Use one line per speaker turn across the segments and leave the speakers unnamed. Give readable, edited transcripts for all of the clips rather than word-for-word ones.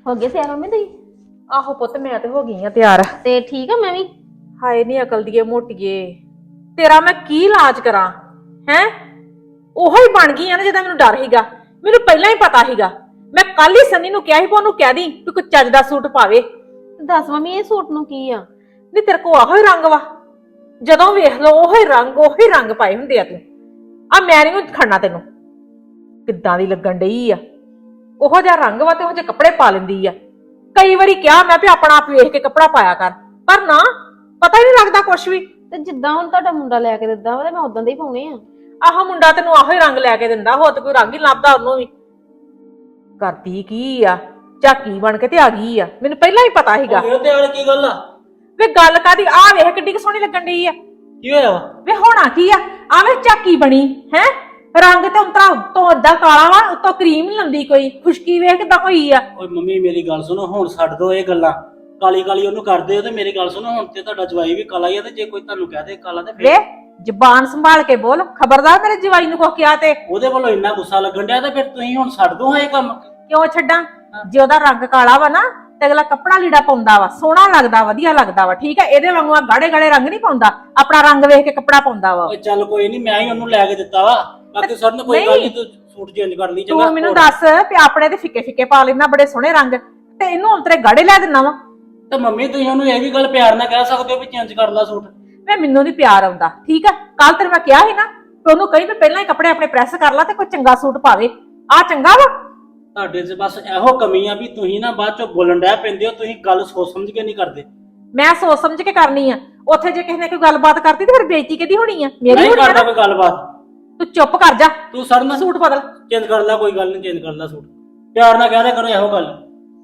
ਹੋ ਗਏ ਤਿਆਰ ਮੰਮੀ ਤੁਸੀਂ?
ਆਹੋ ਪੁੱਤ ਮੈਂ ਤੇ ਹੋ ਗਈ ਆ ਤਿਆਰ।
ਤੇ ਠੀਕ ਆ ਮੈਂ ਵੀ।
ਹਾਏ ਨੀ ਅਕਲ ਦੀਏ ਮੋਟੀਏ, ਤੇਰਾ ਮੈਂ ਕੀ ਇਲਾਜ ਕਰਾਂ ਹੈ। ਉਹੋ ਹੀ ਬਣ ਗਈ ਆ ਨਾ ਜਿਹਦਾ ਮੈਨੂੰ ਡਰ ਸੀਗਾ। ਮੈਨੂੰ ਪਹਿਲਾਂ ਹੀ ਪਤਾ ਸੀਗਾ। ਮੈਂ ਕੱਲ ਹੀ ਸਨੀ ਨੂੰ ਕਿਹਾ ਸੀ ਉਹਨੂੰ ਕਹਿ ਦੀ ਤੂੰ ਕੋਈ ਚੱਜ ਦਾ ਸੂਟ ਪਾਵੇ।
ਦੱਸ ਮੰਮੀ ਇਹ ਸੂਟ ਨੂੰ ਕੀ ਆ?
ਨਹੀਂ ਤੇਰੇ ਕੋ ਆਹੋ ਹੀ ਰੰਗ ਵਾ, ਜਦੋਂ ਵੇਖ ਲਓ ਉਹੋ ਹੀ ਰੰਗ ਪਾਏ ਹੁੰਦੇ ਆ। ਤੂੰ ਆ ਮੈਂ ਨਹੀਂ ਖੜਨਾ ਤੈਨੂੰ। ਕਿੱਦਾਂ ਦੀ ਲੱਗਣ ਡਈ ਆ, ਉਹੋ ਜਿਹਾ ਰੰਗ ਵਾ ਤੇ ਉਹੋ ਜਿਹੇ ਕੱਪੜੇ ਪਾ ਲੈਂਦੀ ਆ। ਕਈ ਵਾਰੀ ਕਿਹਾ ਮੈਂ ਵੀ ਆਪਣਾ ਆਪ ਵੇਖ ਕੇ ਕੱਪੜਾ ਪਾਇਆ ਕਰ, ਪਰ ਨਾ ਪਤਾ ਹੀ ਨਹੀਂ ਲੱਗਦਾ ਕੁਛ ਵੀ।
ਤੇ ਜਿੱਦਾਂ ਹੁਣ ਤੁਹਾਡਾ ਮੁੰਡਾ ਲੈ ਕੇ ਦਿੰਦਾ ਵਾ ਤੇ ਮੈਂ ਉਦਾਂ ਦੇ ਹੀ ਪਾਉਣੇ ਆ।
ਆਹ ਮੁੰਡਾ ਤੈਨੂੰ ਆਹੋ ਹੀ ਰੰਗ ਲੈ ਕੇ ਦਿੰਦਾ, ਹੋਰ ਤੇ ਕੋਈ ਰੰਗ ਹੀ ਲੱਭਦਾ ਉਹਨੂੰ ਵੀ। ਕਰਦੀ ਕੀ ਆ, ਝਾਕੀ ਬਣ ਕੇ ਤੇ ਆ ਗਈ ਆ। ਮੈਨੂੰ ਪਹਿਲਾਂ ਹੀ ਪਤਾ ਸੀਗਾ।
ਤੇ ਕੀ ਗੱਲ ਆ?
ਵੇ ਗੱਲ ਕਾਦੀ, ਆ ਵੇਖ ਕਿੱਡੀ ਸੋਹਣੀ ਲੱਗਣ ਡਈ ਆ।
ਕੀ ਹੋਇਆ ਵਾ?
ਵੇ ਹੋਣਾ ਕੀ ਆ, ਆਵੇਂ ਝਾਕੀ ਬਣੀ ਹੈ। ਰੰਗ ਤੇ ਉਤਰਾ ਉੱਤੋਂ ਅੱਧਾ ਕਾਲਾ ਵਾ, ਉੱਤੋਂ ਕਰੀਮ ਨੀ ਲੰਦੀ ਕੋਈ। ਖੁਸ਼ਕੀ ਵੇਖ ਕਿੱਦਾਂ ਹੋਈ ਆ।
ਓਏ ਮੰਮੀ ਮੇਰੀ ਗੱਲ ਸੁਣੋ, ਹੁਣ ਛੱਡ ਦੋ ਇਹ ਗੱਲਾਂ। ਕਾਲੀ ਕਾਲੀ ਉਹਨੂੰ ਕਰਦੇ ਹੋ ਤੇ ਮੇਰੀ ਗੱਲ ਸੁਣੋ, ਹੁਣ ਤੇ ਤੁਹਾਡਾ ਜਵਾਈ ਵੀ ਕਾਲਾ ਹੀ ਆ ਤੇ ਜੇ ਕੋਈ ਤੁਹਾਨੂੰ ਕਹਿ ਦੇ ਕਾਲਾ ਤੇ
ਵੇ ਜ਼ਬਾਨ ਸੰਭਾਲ ਕੇ ਬੋਲ, ਖਬਰਦਾਰ ਮੇਰੇ ਜਵਾਈ ਨੂੰ ਕੋ ਕਿਹਾ ਤੇ।
ਉਹਦੇ ਵੱਲੋਂ ਇੰਨਾ ਗੁੱਸਾ ਲੱਗਣ ਡਿਆ ਤੇ ਫਿਰ ਤੁਸੀਂ ਹੁਣ ਛੱਡ ਦੋ ਇਹ ਕੰਮ।
ਕਿਉਂ ਛੱਡਾਂ? ਜੇ ਉਹਦਾ ਰੰਗ ਕਾਲਾ ਵਾ ਨਾ ਤੇ ਅਗਲਾ ਕੱਪੜਾ ਲੀੜਾ ਪਾਉਂਦਾ ਵਾ, ਸੋਹਣਾ ਲੱਗਦਾ, ਵਧੀਆ ਲੱਗਦਾ ਵਾ। ਠੀਕ ਹੈ, ਇਹਦੇ ਵਾਂਗੂ ਗਾੜੇ ਗਾੜੇ ਰੰਗ ਨਹੀਂ ਪਾਉਂਦਾ, ਆਪਣਾ ਰੰਗ ਵੇਖ ਕੇ ਕੱਪੜਾ ਪਾਉਂਦਾ ਵਾ।
ਓਏ ਚੱਲ ਕੋਈ ਨਹੀਂ, ਮੈਂ ਹੀ ਉਹਨੂੰ ਲੈ ਕੇ ਦਿੱਤਾ ਵਾ। ਬਾਕੀ ਸਰ ਨੇ ਕੋਈ ਗੱਲ ਨਹੀਂ, ਤੂੰ ਸੂਟ ਚੇਂਜ ਕਰ ਲਈ। ਚੰਗਾ
ਤੂੰ ਮੈਨੂੰ ਦੱਸ ਵੀ ਆਪਣੇ ਤੇ ਫਿੱਕੇ ਫਿੱਕੇ ਪਾ ਲੈਂਦਾ ਬੜੇ ਸੋਹਣੇ ਰੰਗ, ਤੇ ਇਹਨੂੰ ਹੁਣ ਤੇਰੇ ਗਾੜੇ ਲੈ ਦਿੰਨਾ ਵਾ।
ਤੇ ਮੰਮੀ ਤੁਸੀਂ ਉਹਨੂੰ ਇਹ ਵੀ ਗੱਲ ਪਿਆਰ ਨਾਲ ਕਹਿ ਸਕਦੇ ਹੋ ਵੀ ਚੇਂਜ ਕਰ ਲੈ ਸੂਟ।
ਵੇ ਮੈਨੂੰ ਨਹੀਂ ਪਿਆਰ ਆਉਂਦਾ। ਠੀਕ ਆ, ਕੱਲ ਤੈਨੂੰ ਮੈਂ ਕਿਹਾ ਸੀ ਨਾ ਕਿ ਉਹਨੂੰ ਕਹੀ ਵੀ ਪਹਿਲਾਂ ਹੀ ਕੱਪੜੇ ਆਪਣੇ ਪ੍ਰੈਸ ਕਰ ਲਾ ਤੇ ਕੋਈ ਚੰਗਾ ਸੂਟ ਪਾਵੇ। ਆ ਚੰਗਾ ਵਾ?
ਤੁਹਾਡੇ 'ਚ ਬਸ ਇਹੋ ਕਮੀ ਆ ਵੀ ਤੁਸੀਂ ਨਾ ਬਾਅਦ ਚੋਂ ਬੋਲਣ ਡੈ ਪੈਂਦੇ ਹੋ। ਤੁਸੀਂ ਗੱਲ ਸੋਚ ਸਮਝ ਕੇ ਨਹੀਂ ਕਰਦੇ।
ਮੈਂ ਸੋਚ ਸਮਝ ਕੇ ਕਰਨੀ ਆ। ਉੱਥੇ ਜੇ ਕਿਸੇ ਨੇ ਕੋਈ ਗੱਲਬਾਤ ਕਰਤੀ ਤੇ ਫਿਰ ਬੇਇੱਜ਼ਤੀ ਕਿਹਦੀ ਹੋਣੀ ਆ? ਮੇਰੀ
ਨਹੀਂ
ਹੋਣੀ ਆ
ਕਰਦਾ
ਨਾ।
ਕੋਈ ਗੱਲਬਾਤ।
ਤੂੰ ਚੁੱਪ ਕਰ ਜਾ,
ਤੂੰ ਸਰ ਨਾਲ
ਸੂਟ ਬਦਲ।
ਚੇਂਜ ਕਰ ਲੈ, ਕੋਈ ਗੱਲ ਨਹੀਂ, ਚੇਂਜ ਕਰ ਲੈ ਸੂਟ। ਪਿਆਰ ਨਾਲ ਕਹਿ ਦਿਆ ਕਰੋ ਇਹੋ ਗੱਲ।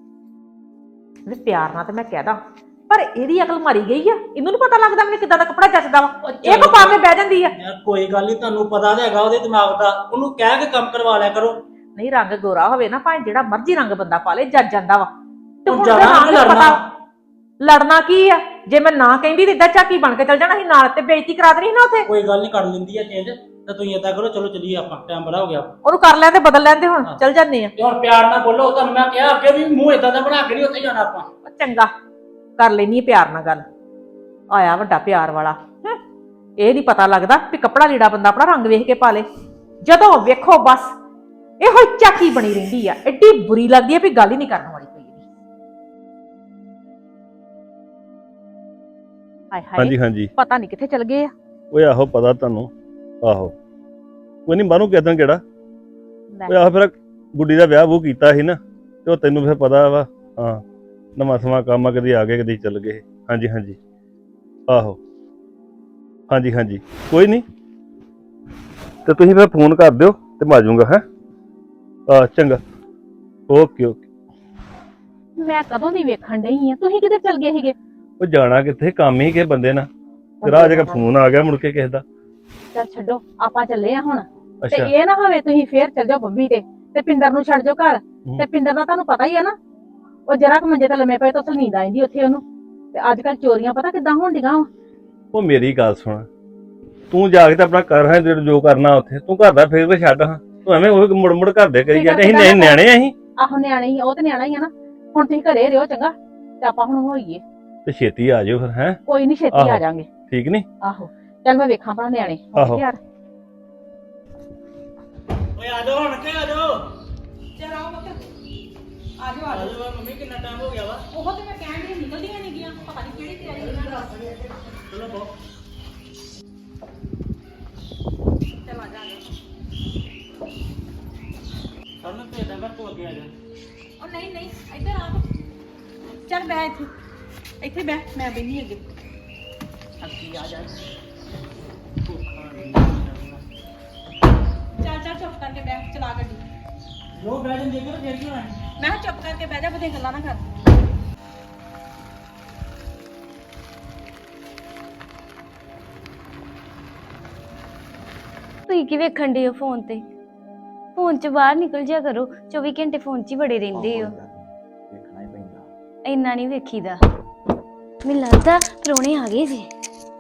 ਵੀ ਪਿਆਰ ਨਾਲ ਤੇ ਮੈਂ ਕਹਿਦਾ, ਪਰ ਇਹਦੀ ਅਕਲ ਮਾਰੀ ਗਈ ਆ। ਇਹਨੂੰ ਨੀ ਪਤਾ ਲੱਗਦਾ ਮੈਨੂੰ ਕਿੱਦਾਂ ਦਾ ਕੱਪੜਾ ਜੱਚਦਾ ਵਾ। ਇਹ ਕੋ ਪਾ ਕੇ ਬਹਿ ਜਾਂਦੀ ਆ।
ਯਾਰ ਕੋਈ ਗੱਲ ਨਹੀਂ, ਤੁਹਾਨੂੰ ਪਤਾ ਤਾਂ ਹੈਗਾ ਉਹਦੇ ਦਿਮਾਗ ਦਾ। ਉਹਨੂੰ ਕਹਿ ਕੇ ਕੰਮ ਕਰਵਾ ਲਿਆ ਕਰੋ।
ਨਹੀਂ ਰੰਗ ਗੋਰਾ ਹੋਵੇ ਨਾ, ਭਾਵੇਂ ਜਿਹੜਾ ਮਰਜ਼ੀ ਰੰਗ ਬੰਦਾ ਪਾ ਲੇ, ਜੱਜ ਜਾਂਦਾ ਵਾ। ਤੇ ਹੁਣ
ਜਾਣਾ
ਰੰਗ
ਕਿ
ਦਾ
ਲੜਨਾ?
ਪਤਾ ਲੜਨਾ ਕੀ ਆ? ਜੇ ਮੈਂ ਨਾ ਕਹਿੰਦੀ ਤੇ ਏਦਾਂ ਝਾਕੀ ਬਣ ਕੇ ਚੱਲ ਜਾਣਾ ਸੀ ਨਾਲ, ਤੇ ਬੇਇੱਜ਼ਤੀ ਕਰਾ ਦੇਣੀ ਸੀ ਨਾ ਉੱਥੇ।
ਕੋਈ ਗੱਲ ਨਹੀਂ, ਕਰ ਲੈਂਦੀ ਆ ਚੇਂਜ। ਤੇ ਤੁਸੀਂ ਏਦਾਂ ਕਰੋ, ਚਲੋ ਚੱਲੀਏ ਆਪਾਂ, ਟਾਈਮ ਬੜਾ ਹੋ ਗਿਆ।
ਉਹਨੂੰ ਕਰ ਲੈਂਦੇ, ਬਦਲ ਲੈਂਦੇ, ਹੁਣ ਚੱਲ ਜਾਂਦੇ ਆ।
ਤੇ ਹੁਣ ਪਿਆਰ ਨਾਲ ਬੋਲੋ, ਤੁਹਾਨੂੰ ਮੈਂ ਕਿਹਾ ਅੱਗੇ ਵੀ ਮੂੰਹ ਏਦਾਂ ਦਾ ਬਣਾ ਕੇ ਨਹੀਂ ਉੱਥੇ ਜਾਣਾ ਆਪਾਂ।
ਉਹ ਚੰਗਾ ਕਰ ਲੈਣੀ ਪਿਆਰ ਨਾਲ ਗੱਲ। ਆਇਆ ਵੱਡਾ ਪਿਆਰ ਵਾਲਾ। ਇਹ ਨਹੀਂ ਪਤਾ ਲੱਗਦਾ ਵੀ ਕੱਪੜਾ ਲੀੜਾ ਬੰਦਾ ਆਪਣਾ ਰੰਗ ਵੇਖ ਕੇ ਪਾ ਲੇ। ਜਦੋਂ ਵੇਖੋ ਬਸ ਇਹੋ ਝਾਕੀ ਬਣੀ ਰਹਿੰਦੀ ਆ। ਐਡੀ ਬੁਰੀ ਲੱਗਦੀ ਆ ਵੀ ਗੱਲ ਹੀ ਨਹੀਂ ਕਰਨ ਵਾਲੀ ਕੋਈ ਇਹਦੀ। ਹਾਏ
ਹਾਂਜੀ
ਹਾਏ,
ਹਾਂਜੀ।
ਪਤਾ ਨਹੀਂ ਕਿੱਥੇ ਚਲ ਗਏ ਆ।
ਓਏ ਆਹੋ ਪਤਾ ਤੁਹਾਨੂੰ। ਆਹੋ ਕੋਈ ਨਹੀਂ, ਬਾਹਰੋਂ ਕਿਦਾਂ ਕਿਹੜਾ। ਓਏ ਆਹੋ ਫਿਰ ਗੁੱਡੀ ਦਾ ਵਿਆਹ ਵੂ ਕੀਤਾ ਸੀ ਨਾ, ਤੇ ਉਹ ਤੈਨੂੰ ਫਿਰ ਪਤਾ ਵਾ। ਹਾਂ, ਨਵਾਂ ਸਮਾਂ ਕੰਮ ਆ, ਕਦੀ ਆ ਗਏ ਕਦੀ ਚੱਲ ਗਏ। ਹਾਂਜੀ ਹਾਂਜੀ ਆਹੋ ਹਾਂਜੀ ਹਾਂਜੀ, ਕੋਈ ਨਹੀਂ। ਤੇ ਤੁਸੀਂ ਫਿਰ ਫੋਨ ਕਰ ਦਿਓ ਤੇ ਮੈਂ ਆ ਜਾਊਂਗਾ। ਹੈ ਚੰਗਾ, ਓਕੇ ਓਕੇ।
ਮੈਂ ਕਦੋਂ ਦੀ ਵੇਖਣ ਡਈ ਆ, ਤੁਸੀਂ ਕਿੱਥੇ ਚਲ ਗਏ ਸੀਗੇ?
ਉਹ ਜਾਣਾ ਕਿੱਥੇ, ਕੰਮ ਹੀ ਕਿਸੇ ਬੰਦੇ ਨਾਲ। ਤੇਰਾ ਅਜੇ ਫੋਨ ਆ ਗਿਆ ਮੁੜ ਕੇ ਕਿਸੇ ਦਾ।
ਚੱਲ ਛੱਡੋ, ਆਪਾਂ ਚੱਲੇ ਆ ਹੁਣ। ਤੇ
ਅੱਛਾ
ਇਹ ਨਾ ਹੋਵੇ ਤੁਸੀਂ ਫੇਰ ਚੱਲ ਜਾਓ ਬੰਬੀ ਤੇ ਪਿੰਦਰ ਨੂੰ ਛੱਡ ਜਾਓ ਘਰ। ਤੇ ਪਿੰਦਰ ਦਾ ਤੁਹਾਨੂੰ ਪਤਾ ਹੀ ਆ ਨਾ, ਉਹ ਜਰਾ ਕੁ ਮੰਜੇ ਤੇ ਲੰਮੇ ਪਏ ਤਾਂ ਉੱਥੇ ਨੀਂਦ ਆਈਂਦੀ ਉੱਥੇ ਉਹਨੂੰ। ਤੇ ਅੱਜ ਕੱਲ ਚੋਰੀਆਂ ਪਤਾ ਕਿੱਦਾਂ ਹੋਣ ਡੀਆਂ ਵਾ।
ਉਹ ਮੇਰੀ ਗੱਲ ਸੁਣ, ਤੂੰ ਜਾ ਕੇ ਤਾਂ ਆਪਣਾ ਕਰ ਹੈ ਜੋ ਕਰਨਾ ਉੱਥੇ। ਤੂੰ ਘਰ ਦਾ ਫੇਰ ਵੀ ਛੱਡ ਹਾਂ, ਤੂੰ ਐਵੇਂ ਉਹ ਮੁੜ ਮੁੜ ਘਰ ਦੇ ਕਰੀ ਜਾਂਦੇ। ਅਸੀਂ ਨਿਆਣੇ ਅਸੀਂ।
ਆਹੋ ਨਿਆਣੇ ਹੀ, ਉਹ ਤੇ ਨਿਆਣਾ ਹੀ ਆ ਨਾ। ਹੁਣ ਤੁਸੀਂ ਘਰੇ ਰਿਹੋ ਚੰਗਾ, ਤੇ ਆਪਾਂ ਹੁਣ ਹੋਈਏ।
ਤੇ ਛੇਤੀ ਆ ਜਾਓ ਫਿਰ। ਹੈ
ਕੋਈ ਨਹੀਂ, ਛੇਤੀ
ਆਹੋ।
ਆ ਜਾਾਂਗੇ।
ਠੀਕ ਨੀ?
ਆਹੋ ਚੱਲ ਮੈਂ ਵੇਖਾਂ ਭਲਾ ਨਿਆਣੇ।
ਆਹੋ।
ਯਾਰ
ਓਏ ਆ ਜਾਓ ਹੁਣ ਕਿ ਆ ਜਾਓ।
ਚਲ ਆਓ ਬੱਚਾ, ਆ ਜਾਓ
ਆ ਜਾਓ ਮੰਮੀ, ਕਿੰਨਾ ਟਾਈਮ ਹੋ ਗਿਆ ਵਾ।
ਉਹ ਤੇ ਮੈਂ ਕਹਿਣ ਦੀ ਨਿਕਲਦੀਆਂ ਨਹੀਂ ਗਈਆਂ, ਪਤਾ ਨਹੀਂ ਕਿਹੜੀ ਤਿਆਰੀ ਉਹਨਾਂ ਨੇ।
ਚਲੋ ਬਹੁ।
ਚਲ ਆ ਜਾ।
ਸਰ ਨੂੰ ਭੇਜਦਾ ਮੈਂ, ਤੂੰ ਅੱਗੇ ਆ ਜਾ।
ਉਹ ਨਹੀਂ ਨਹੀਂ, ਇੱਧਰ ਆ। ਚੱਲ ਬੈ ਇੱਥੇ, ਇੱਥੇ ਬੈ, ਮੈਂ ਬੈਠੀ ਅੱਗੇ। ਅੱਗੇ ਆ ਜਾ। ਚੱਲ ਚੱਲ ਚੁੱਪ ਕਰਕੇ ਬੈ, ਚਲਾ ਗੱਡੀ।
ਜੋ ਬਹਿ ਜਾਂਦੇ ਕਿ ਫੇਰ ਕੀ ਹੋਣਾ?
ਮੈਂ ਕਿਹਾ ਚੁੱਪ ਕਰਕੇ ਬਹਿ ਜਾ, ਬਦੇ ਗੱਲਾਂ ਨਾ ਕਰ।
ਤੁਸੀਂ ਕੀ ਵੇਖਣ ਦੇ ਹੋ ਫੋਨ ਤੇ? ਫੋਨ ਚ ਬਾਹਰ ਨਿਕਲ ਜਿਆ ਕਰੋ, 24 ਘੰਟੇ ਫੋਨ 'ਚ ਹੀ ਬੜੇ ਰਹਿੰਦੇ ਹੋ।
ਵੇਖਣਾ ਹੀ ਪੈਂਦਾ।
ਇੰਨਾ ਨਹੀਂ ਵੇਖੀਦਾ। ਮੈਨੂੰ ਲੱਗਦਾ ਪ੍ਰਾਹੁਣੇ ਆ ਗਏ ਜੀ।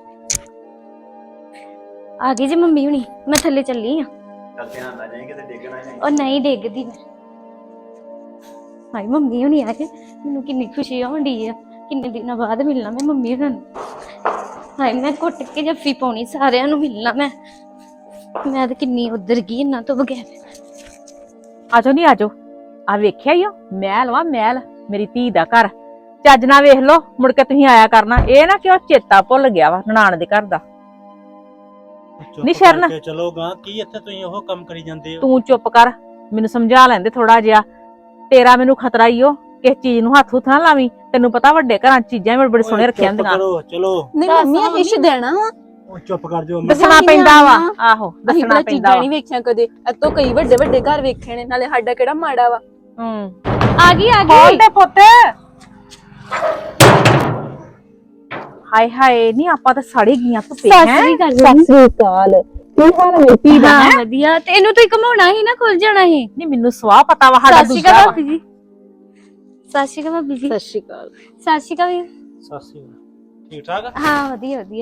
ਆ ਗਏ ਜੀ ਮੰਮੀ ਹੁਣੀ, ਮੈਂ ਥੱਲੇ ਚੱਲੀ ਆ।
ਚੱਲ ਧਿਆਨ ਨਾਲ ਜਾਈਂ, ਕਿਤੇ ਡਿੱਗਣਾ ਨਹੀਂ।
ਉਹ ਨਹੀਂ ਡਿੱਗਦੀ ਮੈਂ। ਹਾਏ ਮੰਮੀ ਹੁਣੀ ਆਏ, ਮੈਨੂੰ ਕਿੰਨੀ ਖੁਸ਼ੀ ਹੋਣੀ ਆ। ਕਿੰਨੇ ਦਿਨਾਂ ਬਾਅਦ ਮਿਲਣਾ ਮੈਂ ਮੰਮੀ ਹੁਣਾਂ ਨੂੰ। ਹਾਏ ਮੈਂ ਘੁੱਟ ਕੇ ਜੱਫੀ ਪਾਉਣੀ, ਸਾਰਿਆਂ ਨੂੰ ਮਿਲਣਾ ਮੈਂ ਤਾਂ ਕਿੰਨੀ ਉਧਰ ਗਈ ਇਹਨਾਂ ਤੋਂ ਬਗੈਰ।
ਆਜੋ ਨਹੀਂ ਆਜੋ, ਆ ਵੇਖਿਆ ਹੀ ਮਹਿਲ ਵਾ ਮਹਿਲ, ਮੇਰੀ ਧੀ ਦਾ ਘਰ। ਚੱਜ ਨਾਲ ਵੇਖ ਲੋ, ਮੁੜ ਕੇ ਤੁਸੀਂ ਆਇਆ ਕਰਨਾ। ਇਹ ਨਾ ਕਿ ਉਹ ਚੇਤਾ ਭੁੱਲ ਗਿਆ ਵਾ ਨਨਾਣ ਦੇ ਘਰ ਦਾ।
ਚੁੱਪ
ਨੀ ਸ਼ਰਨ।
ਕਰਕੇ ਚਲੋ ਗਾਂ, ਕੀ ਇੱਥੇ ਤੁਸੀਂ ਉਹ ਕੰਮ ਕਰੀ ਜਾਂਦੇ ਹੋ?
ਤੂੰ ਚੁੱਪ ਕਰ, ਮੈਨੂੰ ਸਮਝਾ ਲੈਂਦੇ ਥੋੜਾ ਜਿਹਾ। ਤੇਰਾ ਮੈਨੂੰ ਖਤਰਾ ਹੀ ਓ, ਕਿਸ ਚੀਜ਼ ਨੂੰ ਹੱਥ ਨਾ ਲਾਵੀਂ। ਤੈਨੂੰ ਪਤਾ ਵੱਡੇ ਘਰਾਂ 'ਚ ਚੀਜ਼ਾਂ ਵੀ ਬੜੇ ਸੋਹਣੇ ਰੱਖੀਆਂ
ਚੁੱਪ
ਹੁੰਦੀਆਂ।
ਕਰੋ ਚਲੋ।
ਨਹੀਂ ਮੰਮੀ ਇਹ ਇਸ਼ ਦੇਣਾ ਵਾ।
ਉਹ ਚੁੱਪ ਕਰ ਜਾਓ।
ਦੱਸਣਾ ਪੈਂਦਾ ਵਾ, ਆਹੋ
ਅਸੀਂ
ਦੱਸਣਾ
ਤਾਂ
ਪੈਂਦਾ
ਚੀਜ਼ਾਂ
ਵਾ।
ਨਹੀਂ ਵੇਖੀਆਂ ਕਦੇ, ਇਤੋਂ ਕਈ ਵੱਡੇ ਵੱਡੇ ਘਰ ਵੇਖੇ ਨੇ, ਨਾਲੇ ਸਾਡਾ ਕਿਹੜਾ ਮਾੜਾ ਵਾ।
ਆ ਗਈ
ਖੋਲ ਦੇ ਪੁੱਤ। ਹਾਏ ਹਾਏ, ਨਹੀਂ ਆਪਾਂ ਤਾਂ ਸੜੀ ਗਈਆਂ ਧੁੱਪੇ।
ਸਾਸਰੀ ਗੱਲ
ਸ੍ਰੀ ਅਕਾਲ। ਕੀ ਹਾਲ ਹੈ ਤੀ ਦਾ?
ਵਧੀਆ। ਤੇ ਇਹਨੂੰ ਤੁਸੀਂ ਘਮਾਉਣਾ ਸੀ ਨਾ, ਖੁੱਲ ਜਾਣਾ ਸੀ।
ਨਹੀਂ ਮੈਨੂੰ ਸਵਾਹ ਪਤਾ ਵਾ, ਸਾਡਾ
ਸਾਸਰੀ
ਦੂਜਾ
ਕਾਲ
ਵਾ।
ਭਾਬੀ ਜੀ। ਸਾਸਰੀ ਕਾਲ ਭਾਬੀ ਜੀ।
ਸਤਿ ਸ਼੍ਰੀ ਅਕਾਲ।
ਸਾਸਰੀ ਕਾਲ ਵੀਰ।
ਸਾਸੀ ਠੀਕ ਠਾਕ?
ਹਾਂ ਵਧੀਆ ਵਧੀਆ।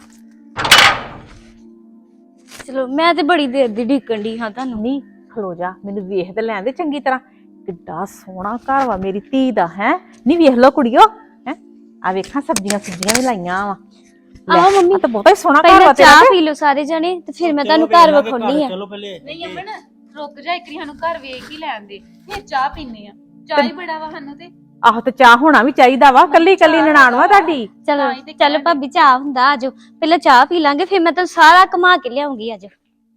ਚਲੋ ਮੈਂ ਤੇ ਬੜੀ ਦੇਰ ਦੀ ਢੀਕਣ ਦੀ ਹਾਂ ਤੁਹਾਨੂੰ।
ਨਹੀਂ ਖਲੋ ਜਾ, ਮੈਨੂੰ ਵੇਖ ਤੇ ਲੈਣ ਦੇ ਚੰਗੀ ਤਰ੍ਹਾਂ। ਕਿੱਡਾ ਸੋਹਣਾ ਘਰ ਵਾ ਮੇਰੀ ਧੀ ਦਾ। ਹੈ ਨਹੀਂ ਵੇਖ ਲੋ ਕੁੜੀਓ, ਹੈ ਆ ਵੇਖਾਂ ਸਬਜ਼ੀਆਂ ਸੁਬਜ਼ੀਆਂ ਵੀ ਲਾਈਆਂ ਵਾ।
ਆਹੋ ਮੰਮੀ,
ਤਾਂ ਬਹੁਤਾ ਹੀ ਸੋਹਣਾ ਘਰ
ਪਹਿਲਾਂ
ਵਾ ਤੇਰਾ।
ਚਾਹ ਪੀ ਲਓ ਸਾਰੇ ਜਣੇ, ਤੇ ਫਿਰ ਮੈਂ ਤੁਹਾਨੂੰ ਘਰ ਵਿਖਾਉਣੀ ਆ।
ਚਲੋ ਪਹਿਲੇ।
ਨਹੀਂ ਅਮਨ, ਰੁਕ ਜਾ, ਇੱਕ ਵਾਰੀ ਸਾਨੂੰ ਘਰ ਵੇਖ ਹੀ ਲੈਣ ਦੇ, ਫਿਰ ਚਾਹ ਪੀਨੇ ਆ। ਚਾਹ ਹੀ ਬੜਾ ਵਾ ਸਾਨੂੰ ਤੇ।
ਆਹੋ ਤੇ ਚਾਹ ਹੋਣਾ ਵੀ ਚਾਹੀਦਾ ਵਾ, ਕੱਲੀ ਕੱਲੀ ਨਨਾਣ ਵਾ ਤੁਹਾਡੀ।
ਚਲੋ
ਤਾਂ ਹੀ ਤੇ
ਚਲੋ ਭਾਬੀ ਚਾਹ ਹੁੰਦਾ, ਆਜੋ ਪਹਿਲਾਂ ਚਾਹ ਪੀ ਲਾਂਗੇ, ਫਿਰ ਮੈਂ ਤੁਹਾਨੂੰ ਸਾਰਾ ਘੁਮਾ ਕੇ ਲਿਆਉਂਗੀ। ਆਜੋ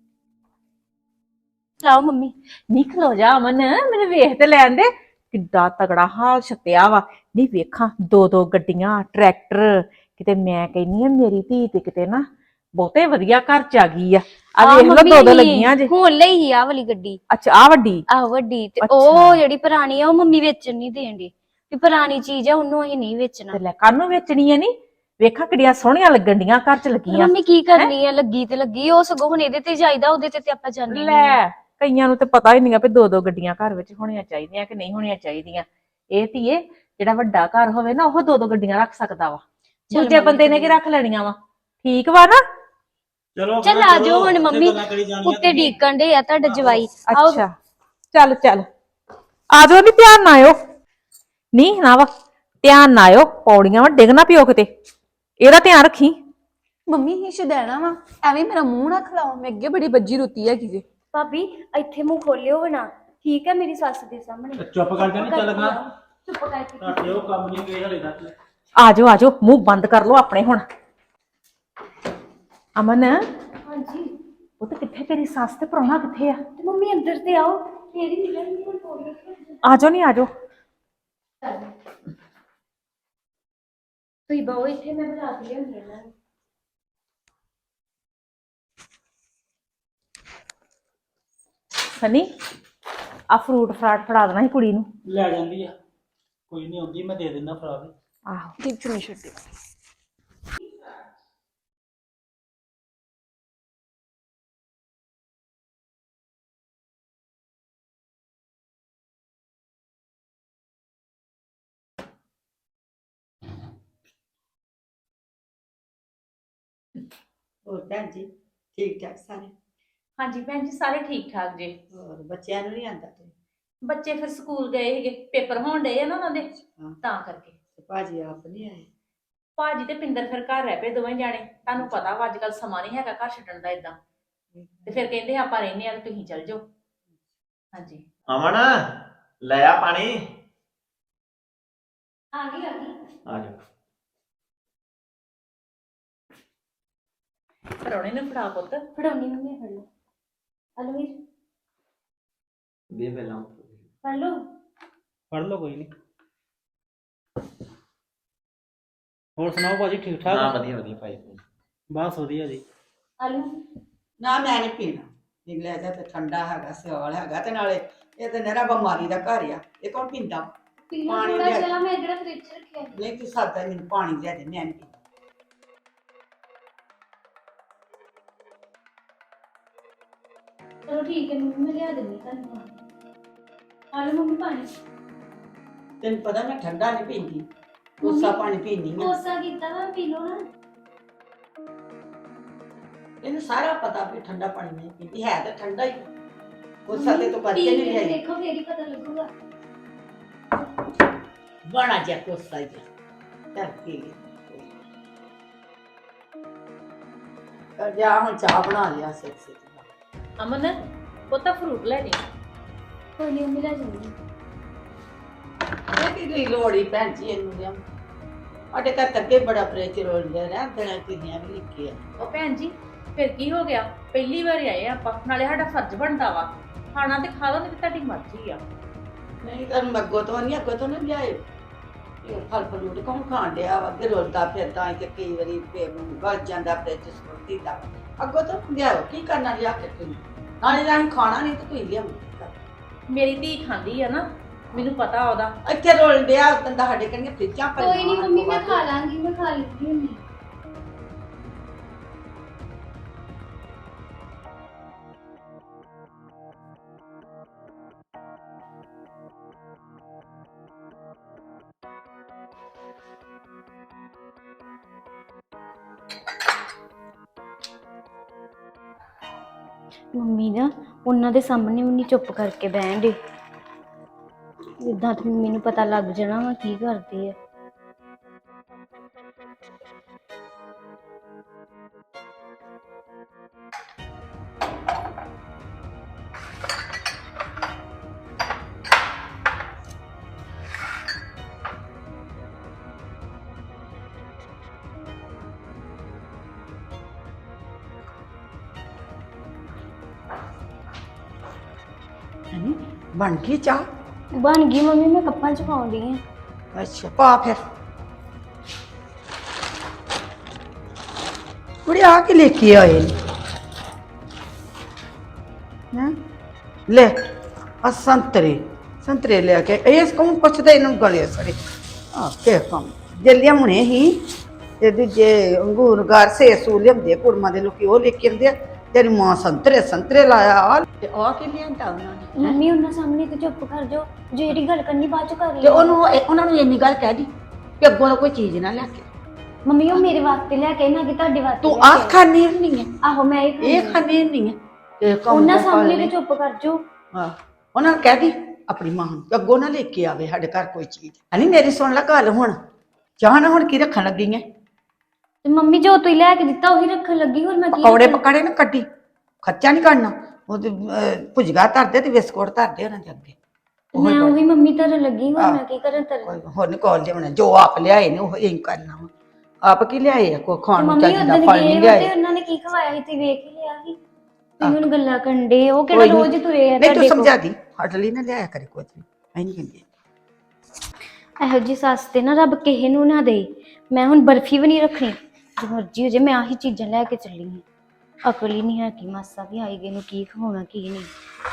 ਲਾਓ ਮੰਮੀ।
ਨਹੀਂ ਖਲੋ ਜਾ ਅਮਨ, ਮੈਨੂੰ ਵੇਖ ਤੇ ਲੈਣ ਦੇ। ਕਿੱਡਾ ਤਗੜਾ ਹਾਲ ਛੱਤਿਆ ਵਾ। ਨਹੀਂ ਵੇਖਾਂ, ਦੋ ਦੋ ਗੱਡੀਆਂ, ਟਰੈਕਟਰ। ਕਿਤੇ ਮੈਂ ਕਹਿੰਨੀ ਆ ਮੇਰੀ ਧੀ ਤੇ ਕਿਤੇ ਨਾ ਬਹੁਤੇ ਵਧੀਆ ਘਰ ਚ ਆ ਗਈ ਆ। ਆ ਵੇਖ ਲੋ ਦੋ ਦੋ ਲੱਗੀਆਂ ਜੇ।
ਹੁਣ ਲਈ ਹੀ ਆ ਵਾਲੀ ਗੱਡੀ।
ਅੱਛਾ ਆ ਵੱਡੀ।
ਆਹ ਵੱਡੀ, ਤੇ
ਅੱਛਾ।
ਉਹ ਜਿਹੜੀ ਪੁਰਾਣੀ ਆ ਉਹ ਮੰਮੀ ਵੇਚਣ ਨਹੀਂ ਦੇਣਦੀ, ਵੀ ਪੁਰਾਣੀ ਚੀਜ਼ ਆ ਉਹਨੂੰ ਅਸੀਂ ਨਹੀਂ ਵੇਚਣਾ।
ਤੇ ਲੈ ਕਾਹਨੂੰ ਵੇਚਣੀ ਆ? ਨੀ ਵੇਖਾਂ ਕਿੱਡੀਆਂ ਸੋਹਣੀਆਂ ਲੱਗਣ ਡੀਆਂ ਘਰ ਚ ਲੱਗੀਆਂ।
ਮੰਮੀ ਕੀ ਕਰਨੀ ਆ, ਲੱਗੀ ਤੇ ਲੱਗੀ। ਉਹ ਸਗੋਂ ਹੁਣ ਇਹਦੇ ਤੇ ਜਾਈਦਾ, ਉਹਦੇ ਤੇ ਆਪਾਂ ਜਾਂਦੇ ਨਹੀਂ।
ਲੈ ਕਈਆਂ ਨੂੰ ਤੇ ਪਤਾ ਹੀ ਨਹੀਂਗਾ ਵੀ ਦੋ ਦੋ ਗੱਡੀਆਂ ਘਰ ਵਿੱਚ ਹੋਣੀਆਂ ਚਾਹੀਦੀਆਂ ਕਿ ਨਹੀਂ ਹੋਣੀਆਂ ਚਾਹੀਦੀਆਂ। ਇਹ ਧੀਏ, ਜਿਹੜਾ ਵੱਡਾ ਘਰ ਹੋਵੇ ਨਾ ਉਹ ਦੋ ਦੋ ਗੱਡੀਆਂ ਰੱਖ ਸਕਦਾ ਵਾ। ਦੂਜੇ ਬੰਦੇ ਨੇ ਕੀ ਰੱਖ ਲੈਣੀਆਂ ਵਾ? ਠੀਕ ਵਾ ਨਾ?
ਚਲੋ
ਚੱਲ ਆ ਜਾਓ ਹੁਣ ਮੰਮੀ, ਉੱਤੇ ਡੀਕਣ ਦੇ ਆ ਤੁਹਾਡਾ ਜਵਾਈ। ਆਓ।
ਅੱਛਾ ਚੱਲ ਚੱਲ ਆ ਜਾਓ। ਨੀ ਧਿਆਨ ਨਾ ਆਇਓ, ਨਹੀਂ ਨਾ ਵਾ ਧਿਆਨ ਨਾ ਆਇਓ, ਪੌੜੀਆਂ ਵਾ, ਡਿੱਗ ਨਾ ਪਿਓ ਕਿਤੇ। ਇਹਦਾ ਧਿਆਨ ਰੱਖੀ।
ਮੰਮੀ ਇਸ਼ ਦੇਣਾ ਵਾ, ਐਵੇਂ ਮੇਰਾ ਮੂੰਹ ਨਾ ਖਲਾਓ, ਮੈਂ ਅੱਗੇ ਬੜੀ ਬੱਜੀ ਰੁੱਤੀ ਹੈ ਕਿਤੇ।
ਭਾਬੀ ਇੱਥੇ ਮੂੰਹ ਖੋਲਿਓ ਬਣਾ, ਠੀਕ ਹੈ, ਮੇਰੀ ਸੱਸ ਦੇ ਸਾਹਮਣੇ।
ਚੁੱਪ ਕਰਕੇ ਨਹੀਂ ਚੱਲ ਗਾ।
ਚੁੱਪ ਕਰਕੇ।
ਤੁਹਾਡੇ ਉਹ ਕੰਮ ਨਹੀਂ ਗਏ ਹਲੇ ਤੱਕ।
ਆ ਜਾਓ ਆ ਜਾਓ, ਮੂੰਹ ਬੰਦ ਕਰ ਲਓ ਆਪਣੇ ਹੁਣ। ਅਮਨ
ਹਾਂਜੀ।
ਉਹ ਤੇ ਕਿੱਥੇ ਤੇਰੀ ਸੱਸ ਤੇ ਪ੍ਰਾਹੁਣਾ ਕਿੱਥੇ ਆ?
ਤੇ ਮੰਮੀ ਅੰਦਰ ਤੇ ਆਓ, ਫੇਰ ਹੀ ਮਿਲਾਂਗੇ। ਹੁਣ ਪੌੜੀ
ਆ ਜਾਓ ਨਹੀਂ ਆ ਜਾਓ।
ਤੁਸੀਂ ਬਹੁ ਇੱਥੇ, ਮੈਂ ਬਣਾ ਕੇ ਲਿਆਉਂਦੀ ਇਹਨਾਂ ਨੂੰ।
ਸਨੀ ਆ ਫਰੂਟ ਫਰਾਟ ਫੜਾ ਦੇਣਾ ਸੀ ਕੁੜੀ ਨੂੰ।
ਲੈ ਜਾਂਦੀ ਆ, ਕੋਈ ਨਹੀਂ ਆਉਂਦੀ, ਮੈਂ ਦੇ ਦਿੰਦਾ ਫੜਾ ਕੇ।
ਆਹੋ
ਟਿਪ ਚੁਣੀ ਛੱਡੀ।
ਹੋਰ ਭੈਣ ਜੀ ਠੀਕ ਠਾਕ ਸਾਰੇ?
ਹਾਂਜੀ ਭੈਣ ਜੀ ਸਾਰੇ ਠੀਕ ਠਾਕ ਜੀ।
ਹੋਰ ਬੱਚਿਆਂ ਨੂੰ ਨਹੀਂ ਆਂਦਾ ਤੇ?
ਬੱਚੇ ਫਿਰ ਸਕੂਲ ਗਏ ਸੀਗੇ, ਪੇਪਰ ਹੋਣ ਡਏ ਆ ਨਾ ਉਹਨਾਂ ਦੇ,
ਹਾਂ।
ਤਾਂ ਕਰਕੇ।
ਭਾਜੀ ਆਪ ਨਹੀਂ ਆਏ?
ਭਾਜੀ ਤੇ ਪਿੰਦਰ ਫਿਰ ਘਰ ਰਹਿ ਪਏ ਦੋਵੇਂ ਜਾਣੇ। ਤੁਹਾਨੂੰ ਪਤਾ ਵਾ ਅੱਜ ਕੱਲ ਸਮਾਂ ਨਹੀਂ ਹੈਗਾ ਘਰ ਛੱਡਣ ਦਾ ਇਦਾਂ। ਤੇ ਫਿਰ ਕਹਿੰਦੇ ਆਪਾਂ ਰਹਿੰਦੇ ਆ ਤੇ ਤੁਸੀਂ ਚੱਲ ਜਾਓ। ਹਾਂਜੀ
ਅਮਨ ਲੈ ਆ ਪਾਣੀ।
ਆ ਗਈ
ਆ ਜਾ।
ਪਰੌਣੇ ਨੂੰ ਫੜਾ ਪੁੱਤ।
ਫੜਾਉਣੀ ਮੰਮੀ, ਫੜ ਲਓ। ਹਲੋ ਵੀਰ
ਦੇ ਪਹਿਲਾਂ
ਫੜ ਲਓ।
ਫੜ ਲਓ ਕੋਈ ਨਹੀਂ। ਹੋਰ ਸੁਣਾਓ ਭਾਜੀ, ਠੀਕ ਠਾਕ?
ਹਾਂ ਵਧੀਆ ਵਧੀਆ ਭਾਈ।
ਬਸ ਵਧੀਆ ਜੀ।
ਹਲੋ।
ਨਾ ਮੈਂ ਨਹੀਂ ਪੀਣਾ। ਨਿਕਲਿਆ ਜਾ ਤੇ ਠੰਡਾ ਹੈਗਾ, ਸਿਆਲ ਹੈਗਾ, ਤੇ ਨਾਲੇ ਇਹ ਤੇ ਨਰਾ ਬਿਮਾਰੀ ਦਾ ਘਰ ਆ, ਇਹ ਕੌਣ ਪੀਂਦਾ?
ਪੀ ਲਓ
ਪਾਣੀ
ਥੋੜਾ
ਲਿਆ।
ਜਿਹਾ, ਮੈਂ ਜਿਹੜਾ ਫ੍ਰਿਜ ਚ ਰੱਖਿਆ।
ਨਹੀਂ ਤੂੰ ਸਾਦਾ ਮੈਨੂੰ ਪਾਣੀ ਲਿਆ ਦੇ, ਮੈਂ ਨਹੀਂ ਪੀਂਦਾ।
ਚਲੋ ਠੀਕ ਹੈ ਮੰਮੀ, ਮੈਂ ਲਿਆ ਦਿੰਦੀ ਤੁਹਾਨੂੰ। ਆ ਲਓ ਮੰਮੀ ਪਾਣੀ।
ਤੈਨੂੰ ਪਤਾ ਮੈਂ ਠੰਡਾ ਨਹੀਂ ਪੀਂਦੀ, ਕੋਸਾ ਪਾਣੀ ਪੀਂਦੀ ਆ।
ਕੋਸਾ ਕੀਤਾ ਵਾ, ਪੀ ਲਓ ਨਾ।
ਇਹਨੂੰ ਸਾਰਾ ਪਤਾ ਵੀ ਠੰਡਾ ਪਾਣੀ ਨਹੀਂ ਪੀਂਦੀ, ਹੈ ਤਾਂ ਠੰਡਾ ਹੀ। ਕੋਸਾ ਤੇ ਤੂੰ ਕਰਕੇ ਨਹੀਂ ਲਿਆਈ।
ਦੇਖੋ ਫੇਰ ਹੀ ਪਤਾ ਲੱਗੂਗਾ।
ਬਣਾ ਜਾ ਕੋਸਾ ਜਾ ਚੱਲ ਪੀ ਲਈ ਕਰ ਜਾ ਹੁਣ ਚਾਹ ਬਣਾ ਲਿਆ ਸਿੱਖ ਸਿੱਖ
ਅਮਨ ਉਹ ਤਾਂ ਫਰੂਟ ਲੈ ਜੀ।
ਕੋਈ ਨਹੀਂ ਮੰਮੀ ਲੈ ਜਾਂਦੀ
ਇਹ ਕੀ ਲੋੜੀ ਭੈਣ ਜੀ ਇਹਨੂੰ ਲਿਆ ਸਾਡੇ ਘਰ ਤੱਕ ਹੀ ਬੜਾ ਪ੍ਰੇਚਰ ਹੋ ਰਿਹਾ ਰਹਿ ਦੇਣਾ ਕਿੰਨੀਆਂ ਵੀ ਲਿਖੀ ਆ
ਉਹ ਭੈਣ ਜੀ ਫਿਰ ਕੀ ਹੋ ਗਿਆ? ਪਹਿਲੀ ਵਾਰ ਆਏ ਆਪਾਂ, ਨਾਲੇ ਸਾਡਾ ਫਰਜ਼ ਬਣਦਾ ਵਾ ਖਾਣਾ ਤੇ ਖਾ ਲਓ, ਨਹੀਂ ਤੇ ਤੁਹਾਡੀ ਮਰਜ਼ੀ ਆ।
ਨਹੀਂ ਤਾਂ ਅੱਗੋਂ ਤੋਂ ਨਹੀਂ ਲਿਆਏ ਇਹ ਫਲ ਫਰੂਟ ਕੌਣ ਖਾਣ ਡਿਆ ਵਾ ਅੱਗੇ ਰੋਲਦਾ ਫਿਰਦਾ ਤੇ ਕਈ ਵਾਰੀ ਵੱਜ ਜਾਂਦਾ ਫ੍ਰਿਜ ਸੁੱਟੀ ਦਾ ਅੱਗੋਂ ਤੋਂ ਲਿਆਓ ਕੀ ਕਰਨਾ ਲਿਆ ਕੇ ਤੁਸੀਂ ਨਾਲੇ ਤਾਂ ਅਸੀਂ ਖਾਣਾ ਨਹੀਂ ਤੇ ਤੁਸੀਂ ਲਿਆਓ
ਮੇਰੀ ਧੀ ਖਾਂਦੀ ਆ ਨਾ, ਮੈਨੂੰ ਪਤਾ ਉਹਦਾ।
ਇੱਥੇ ਰੋਲ ਡਿਆ ਬੰਦਾ ਸਾਡੇ ਕਹਿੰਦੇ ਫ੍ਰਿਜਾਂ ਪਰ
ਕੋਈ ਨਹੀਂ ਮੰਮੀ ਮੈਂ ਖਾ ਲਾਂਗੀ, ਮੈਂ ਖਾ ਲੈਂਦੀ ਹੁੰਦੀ। ਮੰਮੀ ਨਾ ਉਹਨਾਂ ਦੇ ਸਾਹਮਣੇ ਵੀ ਨਹੀਂ ਚੁੱਪ ਕਰਕੇ ਬਹਿਣ ਦੇ, ਇਦਾਂ ਤਾਂ ਮੰਮੀ ਨੂੰ ਪਤਾ ਲੱਗ ਜਾਣਾ ਵਾ ਕੀ ਕਰਦੀ ਆ।
ਬਣ ਗਈ ਚਾਹ
ਬਣ ਗਈ ਮੰਮੀ, ਮੈਂ ਕੱਪਾਂ ਚ ਪਾਉਂਦੀ ਆ।
ਅੱਛਾ ਪਾ ਫਿਰ ਕੁੜੀ ਆ ਕੇ ਲੈ ਕੇ ਆਏ ਨੇ ਲੈ ਆ ਸੰਤਰੇ ਲੈ ਕੇ ਇਸ ਕੌਣ ਪੁੱਛਦਾ ਇਹਨੂੰ ਗਲੇ ਸੜੇ ਆ ਕੇ ਕੰਮ ਜੇ ਲਿਆਉਣੇ ਹੀ ਤੇ ਦੂਜੇ ਅੰਗੂਰ ਗਾਰ ਸੇਸੂ ਲਿਆਉਂਦੇ ਕੁੜਮਾਂ ਦੇ ਲੋਕੀ ਉਹ ਲੈ ਕੇ ਆਉਂਦੇ ਆ ਤੇਰੀ ਮਾਂ ਸੰਤਰੇ ਲਾਇਆ ਤੇ ਆ ਕੇ ਲਿਆਂਦਾ ਉਹਨਾਂ ਨੇ
ਮੰਮੀ ਉਹਨਾਂ ਸਾਹਮਣੇ ਤੇ ਚੁੱਪ ਕਰ ਜਾਓ, ਜਿਹੜੀ ਗੱਲ ਕਰਨੀ ਬਾਅਦ ਚ ਕਰ
ਤੇ
ਲਿਓ।
ਉਹਨਾਂ ਨੂੰ ਇੰਨੀ ਗੱਲ ਕਹਿ ਦੀ ਕਿ ਅੱਗੋਂ ਦਾ ਕੋਈ ਚੀਜ਼ ਨਾ ਲੈ ਕੇ
ਮੰਮੀ ਉਹ ਮੇਰੇ ਵਾਸਤੇ ਲੈ ਕੇ ਨਾ ਕਿ ਤੁਹਾਡੇ ਵਾਸਤੇ
ਤੂੰ
ਲੈ ਕੇ
ਆਹ
ਆਏ।
ਖਾਣੀ ਨਹੀਂ ਹੈ
ਆਹੋ ਮੈਂ
ਇਹ ਖਾਣੀ ਨਹੀਂ ਹੈ ਤੇ
ਉਹਨਾਂ ਸਾਹਮਣੇ ਤੇ ਚੁੱਪ ਕਰ ਜਾਓ।
ਹਾਂ ਉਹਨਾਂ ਨੂੰ ਕਹਿ ਦੀ ਆਪਣੀ ਮਾਂ ਨੂੰ ਕਿ ਅੱਗੋਂ ਨਾ ਲੈ ਕੇ ਆਵੇ ਸਾਡੇ ਘਰ ਕੋਈ ਚੀਜ਼ ਹਨੀ ਮੇਰੀ ਸੁਣ ਲੈ ਗੱਲ ਹੁਣ ਚਾਹ ਨਾ ਹੁਣ ਕੀ ਰੱਖਣ ਲੱਗੀ ਹੈ
ਤੇ ਮੰਮੀ ਜੋ ਤੁਸੀਂ ਲੈ ਕੇ ਦਿੱਤਾ ਉਹੀ ਰੱਖਣ ਲੱਗੀ, ਹੋਰ ਮੈਂ ਕੀ
ਪਕੌੜੇ
ਰੱਖਾਂ?
ਪਕਾੜੇ ਨਾ ਕੱਢੀ ਖਰਚਾ ਨਹੀਂ ਕਰਨਾ ਉਹਦੇ ਭੁਜਗਾ ਧਰਦੇ ਤੇ ਬਿਸਕੁਟ ਧਰਦੇ ਉਹਨਾਂ ਦੇ ਅੱਗੇ
ਮੈਂ ਉਹੀ ਮੰਮੀ ਧਰਨ ਲੱਗੀ, ਹੋਰ ਮੈਂ ਕੀ ਕਰਾਂ ਧਰਨ?
ਹੋਰ ਨਹੀਂ ਕੋਲ ਲਿਆਉਣਾ ਜੋ ਆਪ ਲਿਆਏ ਨੇ ਉਹ ਇਹ ਕਰਨਾ ਵਾ ਆਪ ਕੀ ਲਿਆਏ ਆ ਕੋਈ ਖਾਣ ਨੂੰ
ਮੰਮੀ
ਚਾਹੀਦਾ
ਉਦੋਂ
ਫਲ
ਗਏ
ਨਹੀਂ
ਵਾ
ਲਿਆਏ
ਤੇ ਉਹਨਾਂ ਨੇ ਕੀ ਖਵਾਇਆ ਸੀ ਤੁਸੀਂ ਵੇਖ ਹੀ ਲਿਆ ਸੀ। ਤੁਸੀਂ ਹੁਣ ਗੱਲਾਂ ਕੰਡੇ ਉਹ ਕਿਹੜਾ ਰੋਜ਼ ਤੁਰੇ ਆ
ਨਹੀਂ ਤੂੰ
ਤੁਹਾਡੇ ਕੋਲ।
ਸਮਝਾ ਦੀ ਹਟ ਲਈ ਨਾ ਲਿਆਇਆ ਕਰੇ ਕੁਝ ਵੀ ਐ ਨਹੀਂ ਕਹਿੰਦੀ
ਇਹੋ ਜੀ ਸੱਸ ਤੇ ਨਾ ਰੱਬ ਕਿਸੇ ਨੂੰ ਨਾ ਦੇ। ਮੈਂ ਹੁਣ ਬਰਫੀ ਵੀ ਨਹੀਂ ਰੱਖਣੀ, ਜੋ ਮਰਜ਼ੀ ਹੋ ਜੇ ਮੈਂ ਆਹੀ ਚੀਜ਼ਾਂ ਲੈ ਕੇ ਚੱਲੀ ਹਾਂ। ਅਕਲ ਹੀ ਨਹੀਂ ਹੈ ਕਿ ਮਾਸਾ ਵੀ ਆਈ ਗਏ ਨੂੰ ਕੀ ਖਵਾਉਣਾ ਕੀ ਨਹੀਂ।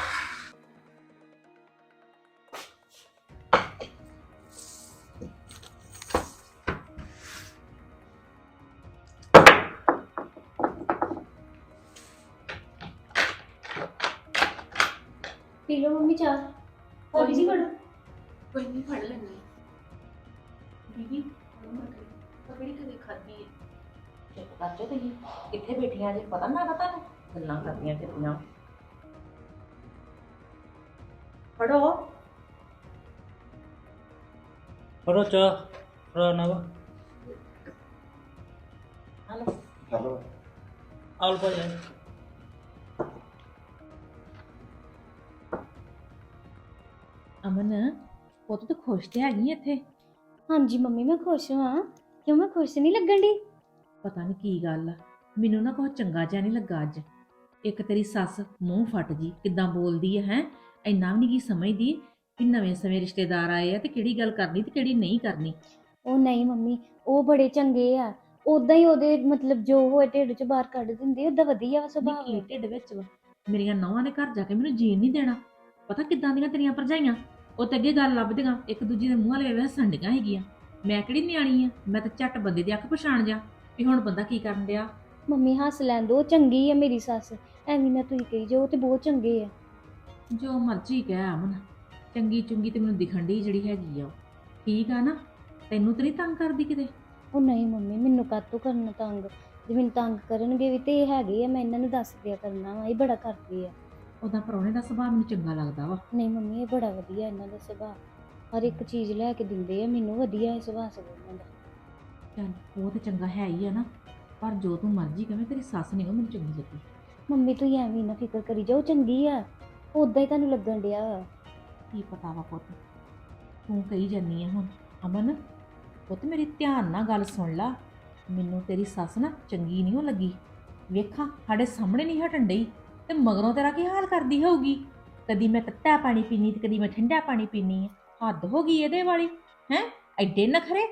ਪੀ ਲਓ ਮੰਮੀ ਚਾਹ, ਥੋੜੀ ਜੀ ਫੜੋ।
ਕੋਈ ਨਹੀਂ ਫੜ ਲੈਣੀ ਦੀਦੀ ਕਿਹੜੀ ਕਦੇ ਖਾਦੀ ਹੈ
ਚੁੱਪ ਕਰ ਜਾਓ ਤੁਸੀਂ, ਕਿੱਥੇ ਬੈਠੀਆਂ ਜੇ ਪਤਾ ਨਾ ਤੁਹਾਨੂੰ ਗੱਲਾਂ ਕਰਦੀਆਂ ਕਿੰਨੀਆਂ। ਪੜੋ
ਫੜੋ ਚਾਹ ਫੜਾ ਨਾ ਵਾ
ਹਲੋ
ਚਲੋ
ਆਲ ਭਾਈ
ਅਮਨ ਉਹ ਤੂੰ ਖੁਸ਼ ਤੇ ਹੈਗੀ ਇੱਥੇ?
ਹਾਂਜੀ ਮੰਮੀ ਮੈਂ ਖੁਸ਼ ਹਾਂ। ਕਿਉਂ ਮੈਂ ਖੁਸ਼ ਨਹੀਂ ਲੱਗਣ ਦੀ?
ਪਤਾ ਨਹੀਂ ਕੀ ਗੱਲ ਆ, ਮੈਨੂੰ ਨਾ ਕੁਛ ਚੰਗਾ ਜਿਹਾ ਨਹੀਂ ਲੱਗਾ ਅੱਜ। ਇੱਕ ਤੇਰੀ ਸੱਸ ਮੂੰਹ ਫਟ ਜੀ ਕਿੱਦਾਂ ਬੋਲਦੀ ਹੈ ਇੰਨਾ ਵੀ ਨਹੀਂ ਕੀ ਸਮਝਦੀ ਕਿ ਨਵੇਂ ਸਮੇਂ ਰਿਸ਼ਤੇਦਾਰ ਆਏ ਆ ਤੇ ਕਿਹੜੀ ਗੱਲ ਕਰਨੀ ਤੇ ਕਿਹੜੀ ਨਹੀਂ ਕਰਨੀ।
ਉਹ ਨਹੀਂ ਮੰਮੀ ਉਹ ਬੜੇ ਚੰਗੇ ਆ, ਉਦਾਂ ਹੀ ਉਹਦੇ ਮਤਲਬ ਜੋ ਹੋਏ ਢਿੱਡ ਚ ਬਾਹਰ ਕੱਢ ਦਿੰਦੇ ਉਦਾਂ ਵਧੀਆ ਵਾ ਸੁਭਾਅ
ਕੀ ਢਿੱਡ ਵਿੱਚ ਵਾ ਮੇਰੀਆਂ ਨੌਵਾਂ ਦੇ ਘਰ ਜਾ ਕੇ ਮੈਨੂੰ ਜੀਣ ਨਹੀਂ ਦੇਣਾ। ਪਤਾ ਕਿੱਦਾਂ ਦੀਆਂ ਤੇਰੀਆਂ ਭਰਜਾਈਆਂ, ਉਹ ਤੇ ਅੱਗੇ ਗੱਲ ਲੱਭਦੀਆਂ ਇੱਕ ਦੂਜੀ ਦੇ ਮੂੰਹ ਵਾਲੇ ਹੱਸਣ ਡੀਆਂ ਹੈਗੀਆਂ। ਮੈਂ ਕਿਹੜੀ ਨਿਆਣੀ ਆ, ਮੈਂ ਤਾਂ ਝੱਟ ਬੰਦੇ ਦੀ ਅੱਖ ਪਛਾਣ ਜਾ ਵੀ ਹੁਣ ਬੰਦਾ ਕੀ ਕਰਨ ਡਿਆ।
ਮੰਮੀ ਹੱਸ ਲੈਣ ਦੋ, ਚੰਗੀ ਆ ਮੇਰੀ ਸੱਸ, ਐਵੇਂ ਨਾ ਤੁਸੀਂ ਕਹੀ ਜਾਓ, ਉਹ ਤੇ ਬਹੁਤ ਚੰਗੇ ਆ।
ਜੋ ਮਰਜ਼ੀ ਕਹਿ ਅਮਨ, ਚੰਗੀ ਚੁੰਗੀ ਤੇ ਮੈਨੂੰ ਦਿਖਣ ਡਈ ਜਿਹੜੀ ਹੈਗੀ ਆ ਉਹ ਠੀਕ ਆ ਨਾ। ਤੈਨੂੰ ਤੇ ਨਹੀਂ ਤੰਗ ਕਰਦੀ ਕਿਤੇ?
ਉਹ ਨਹੀਂ ਮੰਮੀ ਮੈਨੂੰ ਕਾਹਤੋਂ ਕਰਨਾ ਤੰਗ, ਜੇ ਮੈਨੂੰ ਤੰਗ ਕਰਨਗੇ ਵੀ ਤੇ ਇਹ ਹੈਗੇ ਆ, ਮੈਂ ਇਹਨਾਂ ਨੂੰ ਦੱਸ ਦਿਆ ਕਰਨਾ ਵਾ, ਇਹ ਬੜਾ ਕਰਦੇ ਆ।
ਉਹਦਾ ਪ੍ਰਾਹੁਣੇ ਦਾ ਸੁਭਾਅ ਮੈਨੂੰ ਚੰਗਾ ਲੱਗਦਾ ਵਾ।
ਨਹੀਂ ਮੰਮੀ ਇਹ ਬੜਾ ਵਧੀਆ ਇਹਨਾਂ ਦਾ ਸੁਭਾਅ। ਹਰ ਇੱਕ ਚੀਜ਼ ਲੈ ਕੇ ਦਿੰਦੇ ਆ ਮੈਨੂੰ, ਵਧੀਆ ਹੈ ਸੁਭਾਅ ਉਹਨਾਂ ਦਾ।
ਚੱਲ ਉਹ ਤੇ ਚੰਗਾ ਹੈ ਹੀ ਆ ਨਾ, ਪਰ ਜੋ ਤੂੰ ਮਰਜ਼ੀ ਕਵੇਂ ਤੇਰੀ ਸੱਸ ਨਹੀਂ ਉਹ ਮੈਨੂੰ ਚੰਗੀ ਲੱਗੀ।
ਮੰਮੀ ਤੂੰ ਐਵੇਂ ਨਾ ਫਿਕਰ ਕਰੀ ਜਾਓ, ਚੰਗੀ ਆ, ਉਦਾਂ ਹੀ ਤੁਹਾਨੂੰ ਲੱਗਣ ਡਿਆ।
ਕੀ ਪਤਾ ਵਾ ਪੁੱਤ, ਤੂੰ ਕਹੀ ਜਾਨੀ ਆ ਹੁਣ। ਅਮਨ ਪੁੱਤ ਮੇਰੀ ਧਿਆਨ ਨਾਲ ਗੱਲ ਸੁਣ ਲਾ, ਮੈਨੂੰ ਤੇਰੀ ਸੱਸ ਨਾ ਚੰਗੀ ਨਹੀਂ ਉਹ ਲੱਗੀ। ਵੇਖਾਂ ਸਾਡੇ ਸਾਹਮਣੇ ਨਹੀਂ ਹਟਣ ਡਈ ਤੇ ਮਗਰੋਂ ਤੇਰਾ ਕੀ ਹਾਲ ਕਰਦੀ ਹੋਊਗੀ। ਕਦੀ ਮੈਂ ਤੱਤਾ ਪਾਣੀ ਪੀਣੀ ਤੇ ਕਦੀ ਮੈਂ ਠੰਡਾ ਪਾਣੀ ਪੀਣੀ ਆ। ਹੱਦ ਹੋ ਗਈ ਇਹਦੇ ਵਾਲੀ ਹੈ, ਐਡੇ ਨਖਰੇ।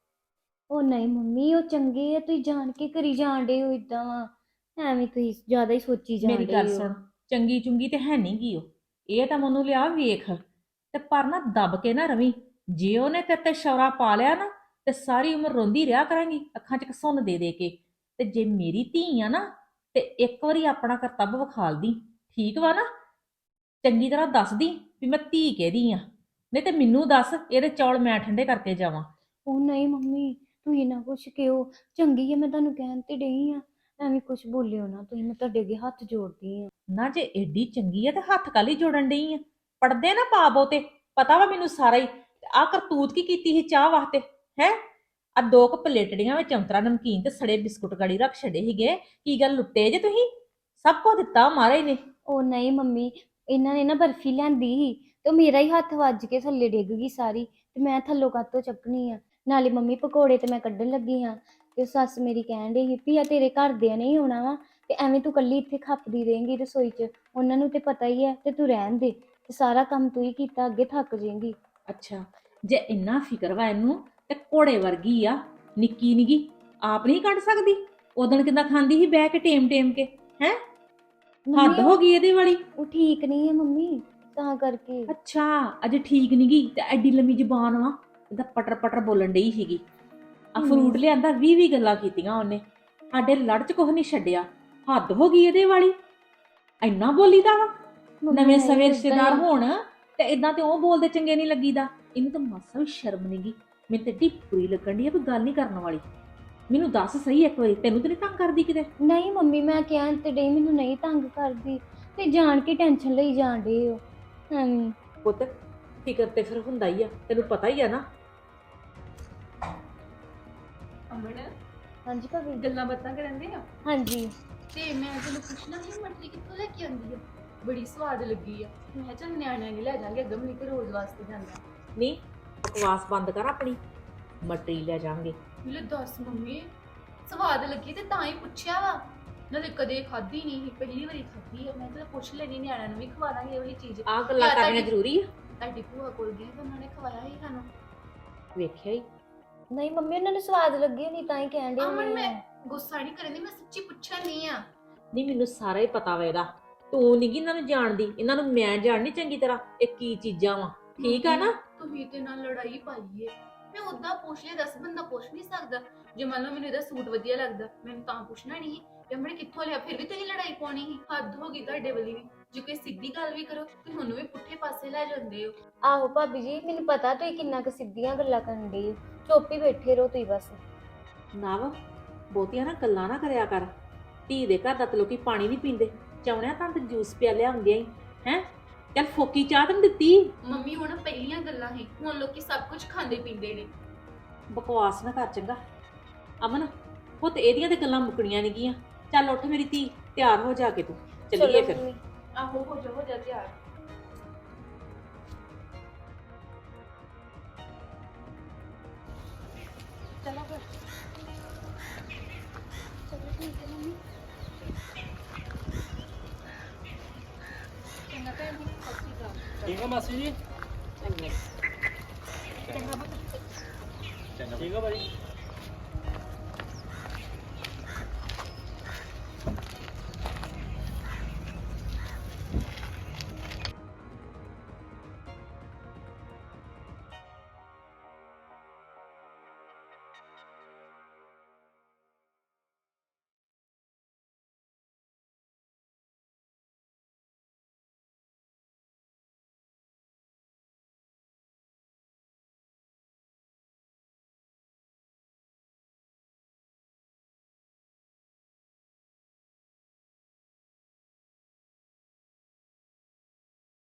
ਉਹ ਨਹੀਂ ਮੰਮੀ ਉਹ ਚੰਗੇ ਆ, ਤੁਸੀਂ ਜਾਣ ਕੇ ਕਰੀ ਜਾਂਦੇ ਹੋ ਇਦਾਂ ਵਾ, ਐਵੇਂ ਤੁਸੀਂ ਜ਼ਿਆਦਾ ਹੀ ਸੋਚੀ ਜਾਂਦੇ
ਮੇਰੀ ਗੱਲ
ਹੋ।
ਸੁਣ, ਚੰਗੀ ਚੁੰਗੀ ਤੇ ਹੈ ਨਹੀਂ ਗੀ ਉਹ, ਇਹ ਤਾਂ ਮੈਨੂੰ ਲਿਆ ਵੇਖ ਤੇ ਪਰ ਨਾ ਦੱਬ ਕੇ ਨਾ ਰਵੀ। ਜੇ ਉਹਨੇ ਤੇਰੇ ਤੇ ਸ਼ੌਰਾ ਪਾ ਲਿਆ ਨਾ ਤੇ ਸਾਰੀ ਉਮਰ ਰੋਂਦੀ ਰਿਹਾ ਕਰਾਂਗੀ ਅੱਖਾਂ 'ਚ ਘਸੁੰਨ ਦੇ ਦੇ ਕੇ। ਤੇ ਜੇ ਮੇਰੀ ਧੀ ਆ ਨਾ ਤੇ ਇੱਕ ਵਾਰੀ ਆਪਣਾ ਕਰਤੱਵ ਵਿਖਾਲਦੀ, ਠੀਕ ਵਾ ਨਾ? ਚੰਗੀ ਤਰ੍ਹਾਂ ਦੱਸਦੀ ਵੀ ਮੈਂ ਧੀ ਕਿਹਦੀ ਆ, ਨਹੀਂ ਤੇ ਮੈਨੂੰ ਦੱਸ ਇਹਦੇ ਚੌਲ ਮੈਂ ਠੰਡੇ ਕਰਕੇ ਜਾਵਾਂ।
ਉਹ ਨਹੀਂ ਮੰਮੀ ਤੁਸੀਂ ਨਾ ਕੁਛ ਕਿਹੋ, ਚੰਗੀ ਆ ਮੈਂ ਤੁਹਾਨੂੰ ਕਹਿਣ ਤੇ ਡਈ ਆ, ਐਵੇਂ ਕੁਛ ਬੋਲਿਓ ਨਾ ਤੁਸੀਂ, ਮੈਂ ਤੁਹਾਡੇ ਅੱਗੇ ਹੱਥ ਜੋੜਦੀ ਆ।
ਨਾ ਜੇ ਏਡੀ ਚੰਗੀ ਆ ਤੇ ਹੱਥ ਕਾਲੀ ਜੋੜਨ ਡਈ ਆ? ਪੜਦੇ ਨਾ ਪਾ ਬਹੁਤੇ, ਪਤਾ ਵਾ ਮੈਨੂੰ ਸਾਰਾ ਹੀ। ਆ ਕਰਤੂਤ ਕੀ ਕੀਤੀ ਸੀ ਚਾਹ ਵਾਸਤੇ ਹੈ? ਆ 2 ਪਲੇਟੜੀਆਂ ਵਿੱਚ ਅੰਤਰਾ ਨਮਕੀਨ ਤੇ ਸੜੇ ਬਿਸਕੁਟ ਗਾੜੀ ਰੱਖ ਛੱਡੇ ਸੀਗੇ। ਕੀ ਗੱਲ ਲੁੱਟੇ ਜੇ ਤੁਸੀਂ? ਸਭ ਕੁਝ ਦਿੱਤਾ ਮਹਾਰਾਜ ਨੇ।
ਉਹ ਨਹੀਂ ਮੰਮੀ, ਇਹਨਾਂ ਨੇ ਨਾ ਬਰਫੀ ਲਿਆਂਦੀ ਸੀ ਤੇ ਉਹ ਮੇਰਾ ਹੀ ਹੱਥ ਵੱਜ ਕੇ ਥੱਲੇ ਡਿੱਗ ਗਈ ਸਾਰੀ, ਤੇ ਮੈਂ ਥੱਲੋਂ ਕਾਤੋਂ ਚੱਕਣੀ ਆ। ਨਾਲੇ ਮੰਮੀ ਪਕੌੜੇ ਤੇ ਮੈਂ ਕੱਢਣ ਲੱਗੀ ਹਾਂ ਤੇ ਸੱਸ ਮੇਰੀ ਕਹਿਣ ਡਈ ਸੀ ਵੀ ਆ ਤੇਰੇ ਘਰਦਿਆਂ ਨੇ ਹੀ ਆਉਣਾ ਵਾ ਤੇ ਐਵੇਂ ਤੂੰ ਕੱਲੀ ਇੱਥੇ ਖੱਪਦੀ ਰਹੇਂਗੀ ਰਸੋਈ 'ਚ, ਉਹਨਾਂ ਨੂੰ ਤੇ ਪਤਾ ਹੀ ਹੈ ਤੇ ਤੂੰ ਰਹਿਣ ਦੇ, ਤੇ ਸਾਰਾ ਕੰਮ ਤੂੰ ਹੀ ਕੀਤਾ, ਅੱਗੇ ਥੱਕ ਜਾਏਂਗੀ।
ਅੱਛਾ, ਜੇ ਇੰਨਾ ਫਿਕਰ ਵਾ ਇਹਨੂੰ ਤੇ ਘੋੜੇ ਵਰਗੀ ਆ, ਨਿੱਕੀ ਨਿੱਗੀ ਆਪ ਨਹੀਂ ਕੱਢ ਸਕਦੀ? ਉਦਣ ਕਿੱਦਾਂ ਖਾਂਦੀ ਸੀ ਬਹਿ ਕੇ ਟੇਮ ਟੇਮ ਕੇ ਹੈ? ਹੱਦ ਹੋ ਗਈ ਇਹਦੇ ਵਾਲੀ।
ਉਹ ਠੀਕ ਨਹੀਂ ਹੈ ਮੰਮੀ, ਤਾਂ ਕਰਕੇ।
ਅੱਛਾ, ਅਜੇ ਠੀਕ ਨੀ ਗੀ ਤੇ ਐਡੀ ਲੰਮੀ ਜ਼ੁਬਾਨ ਵਾ, ਇਹਦਾ ਪਟਰ ਪਟਰ ਬੋਲਣ ਡਈ ਸੀਗੀ। ਆ ਫਰੂਟ ਲਿਆਂਦਾ 20 ਗੱਲਾਂ ਕੀਤੀਆਂ ਉਹਨੇ, ਸਾਡੇ ਲੜ ਚ ਕੁਝ ਨਹੀਂ ਛੱਡਿਆ। ਹੱਦ ਹੋ ਗਈ ਇਹਦੇ ਵਾਲੀ, ਇੰਨਾ ਬੋਲੀਦਾ ਵਾ? ਨਵੇਂ ਸਵੇਂ ਰਿਸ਼ਤੇਦਾਰ ਹੋਣ ਤੇ ਇਦਾਂ ਤੇ ਉਹ ਬੋਲਦੇ ਚੰਗੇ ਨਹੀਂ ਲੱਗੀਦਾ। ਇਹਨੂੰ ਤਾਂ ਮਾਸਾ ਵੀ ਸ਼ਰਮ ਨੀ ਗੀ। ਮੈਨੂੰ ਤੇ ਏਡੀ ਬੁਰੀ ਲੱਗਣ ਡਈ ਆ ਵੀ ਗੱਲ ਨਹੀਂ ਕਰਨ ਵਾਲੀ। ਮੈਨੂੰ ਦੱਸ ਸਹੀ ਇੱਕ ਵਾਰੀ, ਤੈਨੂੰ ਤੇ ਨਹੀਂ ਤੰਗ ਕਰਦੀ ਕਿਤੇ?
ਨਹੀਂ ਮੰਮੀ ਮੈਂ ਕਹਿਣ ਤੇ ਡਈ, ਮੈਨੂੰ ਨਹੀਂ ਤੰਗ ਕਰਦੀ, ਤੇ ਜਾਣ ਕੇ ਟੈਨਸ਼ਨ ਲਈ ਜਾਣ ਡੇ ਹੋ ਐਵੇਂ।
ਪੁੱਤ ਫਿਕਰ ਤੇ ਫਿਰ ਹੁੰਦਾ ਹੀ ਆ, ਤੈਨੂੰ ਪਤਾ ਹੀ ਆ ਨਾ।
ਅਮਨ
ਹਾਂਜੀ ਭਾਬੀ।
ਗੱਲਾਂ ਬਾਤਾਂ ਕਰਨ ਦੇ ਆ
ਹਾਂਜੀ
ਤੇ ਮੈਂ ਤੈਨੂੰ ਪੁੱਛਣਾ ਸੀ ਮਟਰੀ ਕਿੱਥੋਂ ਲੈ ਕੇ ਆਉਂਦੀ ਆ? ਬੜੀ ਸਵਾਦ ਲੱਗੀ ਆ। ਮੈਂ ਚੱਲ ਨਿਆਣਿਆਂ ਨੇ ਲੈ ਜਾਾਂਗੇ, ਅਗਮ ਨਹੀਂ ਤੇ ਰੋਜ਼ ਵਾਸਤੇ ਜਾਂਦਾ।
ਨਹੀਂ ਬਕਵਾਸ ਬੰਦ ਕਰ ਆਪਣੀ, ਮਟਰੀ ਲੈ ਜਾਾਂਗੇ।
ਲੈ ਦੱਸ ਮੰਮੀ, ਸਵਾਦ ਲੱਗੀ ਤੇ ਤਾਂ ਹੀ ਪੁੱਛਿਆ ਵਾ, ਨਾਲੇ ਕਦੇ ਖਾਧੀ ਨਹੀਂ ਸੀ, ਪਹਿਲੀ ਵਾਰੀ ਖਾਧੀ ਆ। ਮੈਂ ਤਾਂ ਪੁੱਛ ਲੈਣੀ, ਨਿਆਣਿਆਂ ਨੂੰ ਵੀ ਖਵਾ ਦਾਂਗੇ ਇਹ ਵਾਲੀ ਚੀਜ਼।
ਆਹ ਗੱਲਾਂ ਕਰਨੀਆਂ ਜ਼ਰੂਰੀ ਆ?
ਤੁਹਾਡੀ ਭੂਆ ਕੋਲ ਗਈ ਤਾਂ ਉਹਨਾਂ ਨੇ ਖਵਾਇਆ ਸੀ ਸਾਨੂੰ।
ਵੇਖਿਆ ਹੀ
ਨਹੀਂ ਮੰਮੀ ਉਹਨਾਂ ਨੂੰ ਸਵਾਦ ਲੱਗੀ ਨਹੀਂ ਤਾਂ ਹੀ ਕਹਿਣ ਡੇ
ਅਮਨ ਮੈਂ ਗੁੱਸਾ ਨਹੀਂ ਕਰਦੀ, ਮੈਂ ਸੱਚੀ ਪੁੱਛਿਆ ਨਹੀਂ ਆ।
ਨਹੀਂ ਮੈਨੂੰ ਸਾਰਾ ਹੀ ਪਤਾ ਵਾ ਇਹਦਾ, ਤੂੰ ਨੀ ਗੀ ਇਹਨਾਂ ਨੂੰ ਜਾਣਦੀ, ਇਹਨਾਂ ਨੂੰ ਮੈਂ ਜਾਣਨੀ ਚੰਗੀ ਤਰ੍ਹਾਂ ਇਹ ਕੀ ਚੀਜ਼ਾਂ ਵਾ, ਠੀਕ ਆ ਨਾ?
ਤੁਸੀਂ ਤੇ ਨਾਲ ਲੜਾਈ ਪਾਈ ਏ। ਮੈਂ ਉਦਾਂ ਪੁੱਛ ਲਿਆ, 10 ਬੰਦਾ ਪੁੱਛ ਨਹੀਂ ਸਕਦਾ। ਜੇ ਮੰਨ ਲਓ ਮੈਨੂੰ ਇਹਦਾ ਸੂਟ ਵਧੀਆ ਲੱਗਦਾ, ਮੈਨੂੰ ਤਾਂ ਪੁੱਛਣਾ ਨਹੀਂ ਕਿ ਮੈਂ ਕਿੱਥੋਂ ਲਿਆ, ਫਿਰ ਵੀ ਤੁਸੀਂ ਲੜਾਈ ਪਾਉਣੀ ਸੀ। ਹੱਦ ਹੋ ਗਈ ਤੁਹਾਡੇ ਵਾਲੀ ਵੀ, ਜੇ ਕੋਈ ਸਿੱਧੀ ਗੱਲ ਵੀ ਕਰੋ ਤੇ ਉਹਨੂੰ ਵੀ ਪੁੱਠੇ ਪਾਸੇ ਲੈ ਜਾਂਦੇ ਹੋ।
ਆਹੋ ਭਾਬੀ ਜੀ ਮੈਨੂੰ ਪਤਾ ਤੁਸੀਂ ਕਿੰਨਾ ਕੁ ਸਿੱਧੀਆਂ ਗੱਲਾਂ ਕਰਨ ਡੇ ਹੋ, ਚੁੱਪ ਹੀ ਬੈਠੇ ਰਹੋ ਤੁਸੀਂ ਬਸ।
ਨਾ ਵਾ ਬਹੁਤੀਆਂ ਨਾ ਗੱਲਾਂ ਨਾ ਕਰਿਆ ਕਰ। ਧੀ ਦੇ ਘਰ ਦਾ ਤੇ ਲੋਕੀ ਪਾਣੀ ਨਹੀਂ ਪੀਂਦੇ, ਚਾਉਣਿਆ ਤਾਂ ਤੇ ਜੂਸ ਪਿਆ ਲਿਆਉਂਦਿਆਂ ਹੀ ਹੈ। ਚੱਲ ਫੋਕੀ ਚਾਹ ਤੈਨੂੰ ਦਿੱਤੀ।
ਮੰਮੀ ਹੁਣ ਪਹਿਲੀਆਂ ਗੱਲਾਂ ਸੀ, ਹੁਣ ਲੋਕੀ ਸਭ ਕੁਝ ਖਾਂਦੇ ਪੀਂਦੇ ਨੇ।
ਬਕਵਾਸ ਨਾ ਕਰ ਚੰਗਾ। ਅਮਨ ਪੁੱਤ ਇਹਦੀਆਂ ਤੇ ਗੱਲਾਂ ਮੁੱਕਣੀਆਂ ਨਹੀਂ ਗੀਆਂ। ਚੱਲ ਉੱਠ ਮੇਰੀ ਧੀ, ਤਿਆਰ ਹੋ ਜਾ ਕੇ ਤੂੰ, ਚੱਲੀਏ ਫਿਰ।
ਮੰਮੀ।
ਆਹੋ ਹੋ ਜਾ ਤਿਆਰ। ਚਲੋ ਫਿਰ।
ਚਲੋ ਠੀਕ ਹੈ ਮੰਮੀ।
ਚੰਗਾ ਭੈਣ ਜੀ, ਸਤਿ ਸ਼੍ਰੀ ਅਕਾਲ।
ਠੀਕ ਆ ਮਾਸੀ ਜੀ?
ਚੰਗਾ
ਠੀਕ ਆ ਭਾਜੀ।